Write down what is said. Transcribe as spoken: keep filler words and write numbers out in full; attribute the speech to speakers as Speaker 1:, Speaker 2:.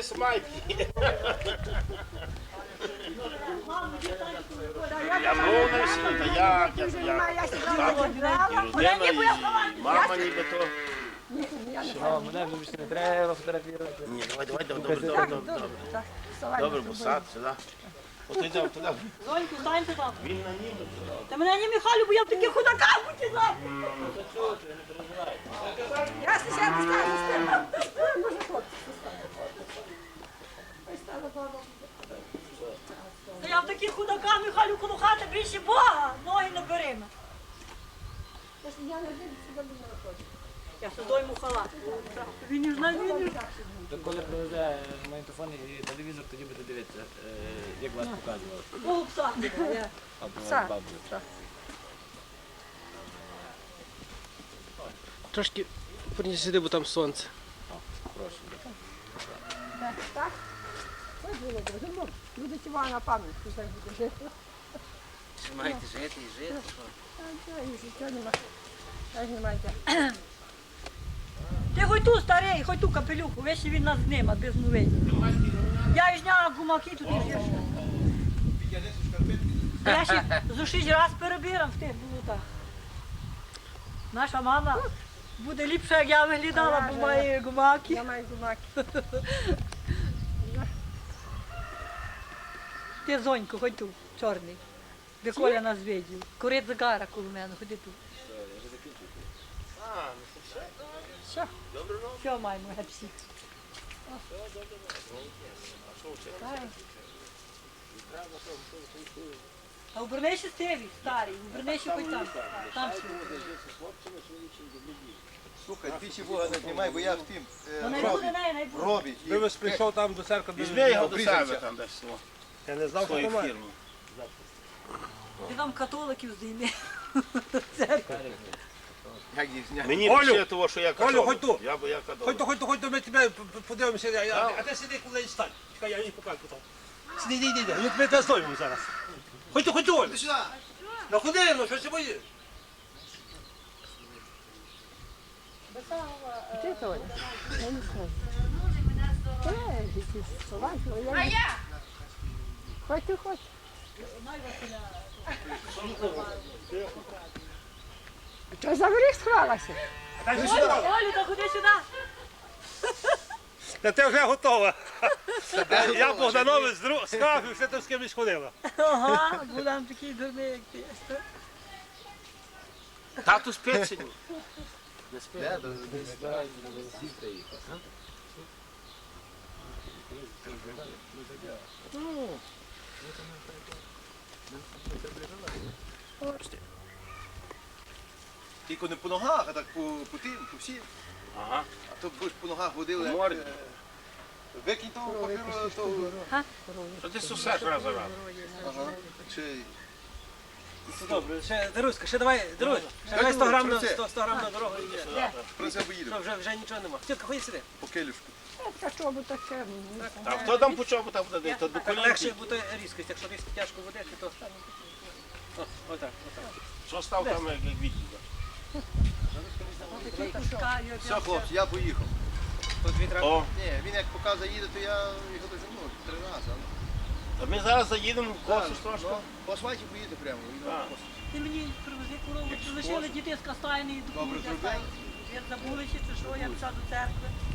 Speaker 1: смайки. Я мовна всі, та як, я, я, і родина, і мама ніби-то.
Speaker 2: Що, мене вже більше не треба фотографувати.
Speaker 1: Ні, давай, давай, добре, добре, добре, добре. Добре, бо сад, сюди. От йдемо туди.
Speaker 3: Зоньку, станьте там.
Speaker 1: Він на нім.
Speaker 3: Та мене не Михайло, бо я в таких худаках потягла.
Speaker 4: Я сначала стану.
Speaker 3: Та я в таких худаках, Михайло, коло хати більше Бога. Ноги не бери. Я сюди йому халат. Він ж на він.
Speaker 2: То коли привезе магнітофон і телевізор, тоді буде дивитися, е, як вас показували.
Speaker 3: О, пса.
Speaker 2: Або бабу.
Speaker 5: Трошки верніше сюди, бо там сонце.
Speaker 2: Прошу.
Speaker 4: Так? Ось було дуже добре. Буде цього на пам'ять, що так буде жити.
Speaker 2: Маєте жити і жити.
Speaker 4: А і життя нема. Так немає.
Speaker 3: Ти хоч ту старий, хоч ту капелюху, весь він нас знима, без новин. Я ж зняла гумаки тут і гірше. Я ще зо шість раз перебирам в тих болотах. Наша мама буде ліпше, як я виглядала, бо має гумаки.
Speaker 4: Я маю гумаки.
Speaker 3: Ти, Зонько, хоч тут, чорний. Де Коля нас видів. Курить загара коло мене, ходи тут. Все, все маємо, гепсі. А обернися Стеві, старий, обернися хоч там. Там все.
Speaker 6: Слухай, двічі Бога не знімай, бо я в тим е,
Speaker 3: Вона й
Speaker 6: робі,
Speaker 3: буде, не, не буде.
Speaker 6: робі. І
Speaker 5: Вивез прийшов там до церкви.
Speaker 1: Візьми його до себе там десь. о,
Speaker 5: Я не знав, що
Speaker 1: Свою
Speaker 5: немає.
Speaker 1: фірму.
Speaker 3: Ти там католиків здійми.
Speaker 6: Як їх зняти?
Speaker 1: Мені
Speaker 5: Олю!
Speaker 1: пише того, що я
Speaker 5: Олю,
Speaker 1: католик.
Speaker 5: ходь тут.
Speaker 1: Я бо я католик.
Speaker 5: Ходь, ходь, ходь, ми тебе подивимося. Я- я- А ти сиди, коли стань. Чекай, я їй покажу там. Сиди, йди, йди, ми тебе зловимо зараз. Ходь, ходь, Олю.
Speaker 6: Ти сюди!
Speaker 5: Ну куди, ну, що ти боїш?
Speaker 4: Ти Толя? Я не знаю. Е, діти, салатно, я не- Хоч ти хоч. Що за горіх сховалася?
Speaker 3: Олю, та ходи сюди.
Speaker 5: Та ти вже готова. Я Богданович з друг- з кафі, все там з кимось ходила.
Speaker 3: Ага, будемо такий дурний, як ти.
Speaker 1: Тату спить сьогодні.
Speaker 6: Тільки не по ногах, а так по, по тим, по всім.
Speaker 1: Ага.
Speaker 6: А то будеш по ногах водили.
Speaker 1: По морді.
Speaker 6: е, Викинь того папіру, того.
Speaker 1: Що ти сусеш раз за раз?
Speaker 6: Ага. Чи...
Speaker 5: Добре, ще, Даруська, ще давай, Дарусь, ще давай сто грам на, сто, сто грам на дорогу. і йде.
Speaker 6: Про це поїдемо.
Speaker 5: Що, вже, вже нічого нема. Тітка, ходи сюди.
Speaker 6: По келюшку.
Speaker 4: Та що би таке?
Speaker 1: А хто там по чому там буде? То до
Speaker 5: Так легше
Speaker 1: колінки.
Speaker 5: буде різкість, якщо різко тяжко водиш, то... О, отак, отак.
Speaker 1: Що став там, як як відео?
Speaker 6: Все, хлопці, я поїхав.
Speaker 5: Тут дві треба.
Speaker 1: О,
Speaker 6: Ні, він як поки заїде, то я його дожену три рази.
Speaker 1: а ми зараз заїдемо в косу трошки.
Speaker 6: Ну, по асфальті поїде прямо. він
Speaker 1: А.
Speaker 6: по косу.
Speaker 3: Ти мені привези корову, чи лишили діти з кастайної до
Speaker 6: Добре зробив.
Speaker 3: Ви забулися, чи що, я пішла до церкви.